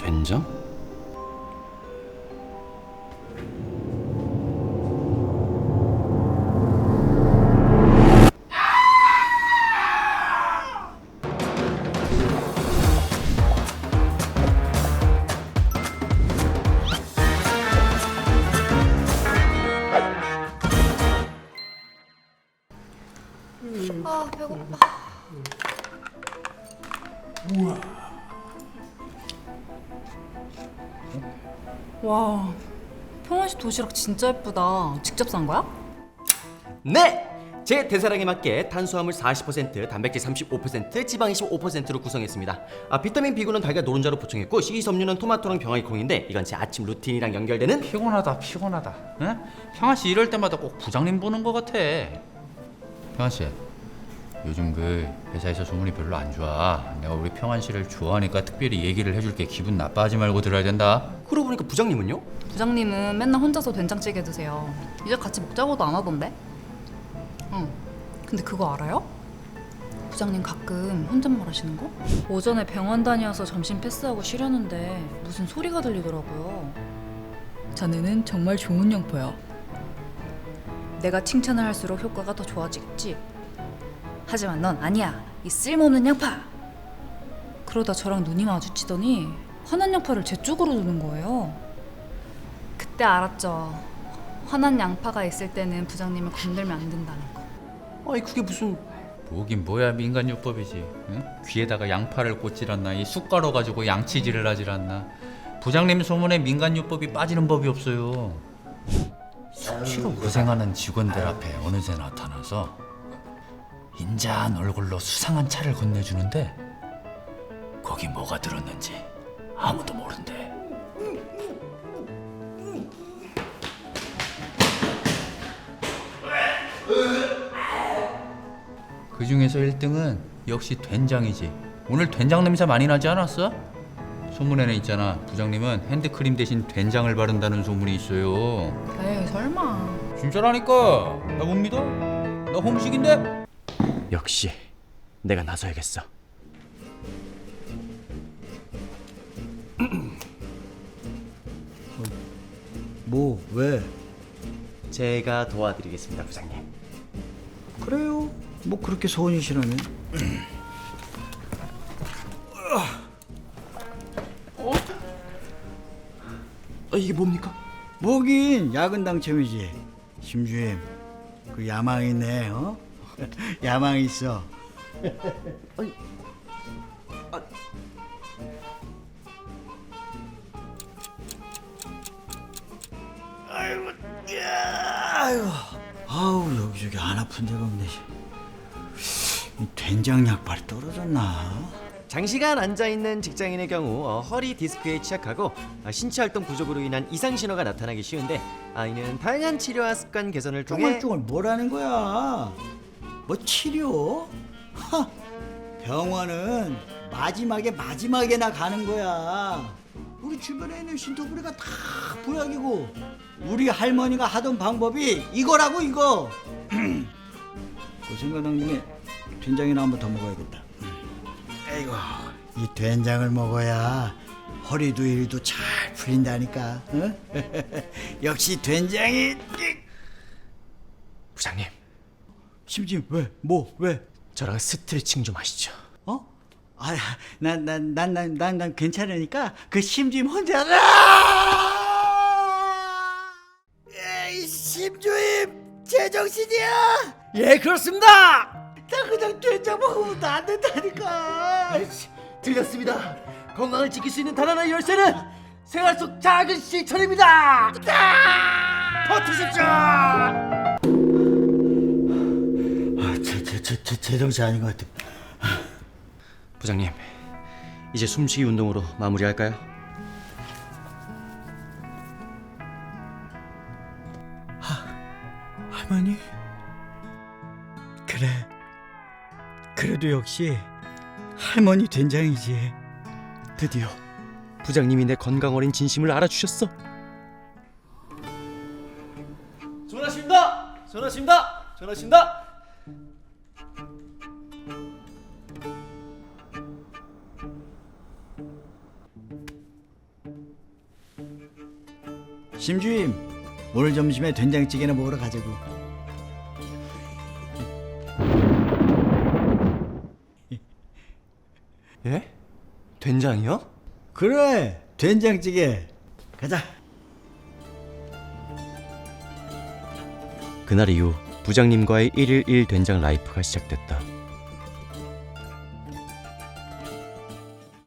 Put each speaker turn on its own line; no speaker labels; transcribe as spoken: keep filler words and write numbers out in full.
된장?
아 배고파. 와, 평원씨 도시락 진짜 예쁘다. 직접 산 거야?
네! 제 대사량에 맞게 탄수화물 사십 퍼센트, 단백질 삼십오 퍼센트, 지방 이십오 퍼센트로 구성했습니다. 아, 비타민 B군은 달걀 노른자로 보충했고 식이섬유는 토마토랑 병아리콩인데 이건 제 아침 루틴이랑 연결되는
피곤하다 피곤하다. 응? 형아씨 이럴 때마다 꼭 부장님 보는 거 같아. 형아씨 요즘 그 회사에서 소문이 별로 안 좋아. 내가 우리 평안씨를 좋아하니까 특별히 얘기를 해줄게. 기분 나빠하지 말고 들어야 된다.
그러고 보니까 부장님은요?
부장님은 맨날 혼자서 된장찌개 드세요. 이제 같이 먹자고도 안 하던데? 응. 근데 그거 알아요? 부장님 가끔 혼잣말 하시는 거? 오전에 병원 다녀와서 점심 패스하고 쉬려는데 무슨 소리가 들리더라고요. 자네는 정말 좋은 양파야. 내가 칭찬을 할수록 효과가 더 좋아지겠지? 하지만 넌 아니야. 이 쓸모없는 양파. 그러다 저랑 눈이 마주치더니 화난 양파를 제 쪽으로 두는 거예요. 그때 알았죠. 화난 양파가 있을 때는 부장님을 건들면 안 된다는 거.
아니 그게 무슨...
뭐긴 뭐야 민간요법이지. 응? 귀에다가 양파를 꽂질 않나. 이 숟가락 가지고 양치질을 하질 않나. 부장님 소문에 민간요법이 빠지는 법이 없어요. 수시로 고생하는 직원들 앞에 어느새 나타나서 인자한 얼굴로 수상한 차를 건네주는데 거기 뭐가 들었는지 아무도 모른대. 그 중에서 일 등은 역시 된장이지. 오늘 된장 냄새 많이 나지 않았어? 소문에는 있잖아. 부장님은 핸드크림 대신 된장을 바른다는 소문이 있어요.
에이 설마.
진짜라니까. 나 못 믿어? 나 homesick인데?
역시 내가 나서야겠어.
뭐 왜?
제가 도와드리겠습니다, 부장님.
그래요? 뭐 그렇게 소원이시라면.
아, 이게 뭡니까?
뭐긴 야근 당첨이지. 심주임 그 야망 있네. 어? 야망 있어. 아이고, 야, 아이고, 아우 여기저기 안 아픈 데가 없네. 이 된장 약발이 떨어졌나?
장시간 앉아있는 직장인의 경우 어, 허리 디스크에 취약하고 어, 신체 활동 부족으로 인한 이상 신호가 나타나기 쉬운데 아, 이는 다양한 치료와 습관 개선을 통해
쫑알쫑알 뭐라는 거야? 뭐 치료? 하, 병원은 마지막에 마지막에나 가는 거야. 우리 주변에 있는 신토부리가 다 보약이고 우리 할머니가 하던 방법이 이거라고 이거. 그 생각난 김에 된장이나 한 번 더 먹어야겠다. 아이고, 이 된장을 먹어야 허리도 일도 잘 풀린다니까. 어? 역시 된장이.
부장님,
심지 왜? 뭐 왜?
저랑 스트레칭 좀 하시죠.
어? 아, 난 난 난 난 난 난 괜찮으니까 그 심주임 혼자. 에이, 심주임 제정신이야?
예, 그렇습니다.
나 그냥 된장 먹으면 안 된다니까.
아이씨, 들렸습니다. 건강을 지킬 수 있는 단 하나의 열쇠는 생활 속 작은 실천입니다. 버티십시오.
아, 제제제 제정신 아닌 것 같아.
부장님, 이제 숨쉬기 운동으로 마무리할까요?
할머니? 그래. 그래도 역시 할머니 된장이지.
드디어 부장님이 내 건강 어린 진심을 알아주셨어. 전화십니다. 전화십니다. 전화십니다.
심주임, 오늘 점심에 된장찌개나 먹으러 가자고.
예? 된장이요?
그래, 된장찌개. 가자.
그날 이후 부장님과의 일일 일 된장 라이프가 시작됐다.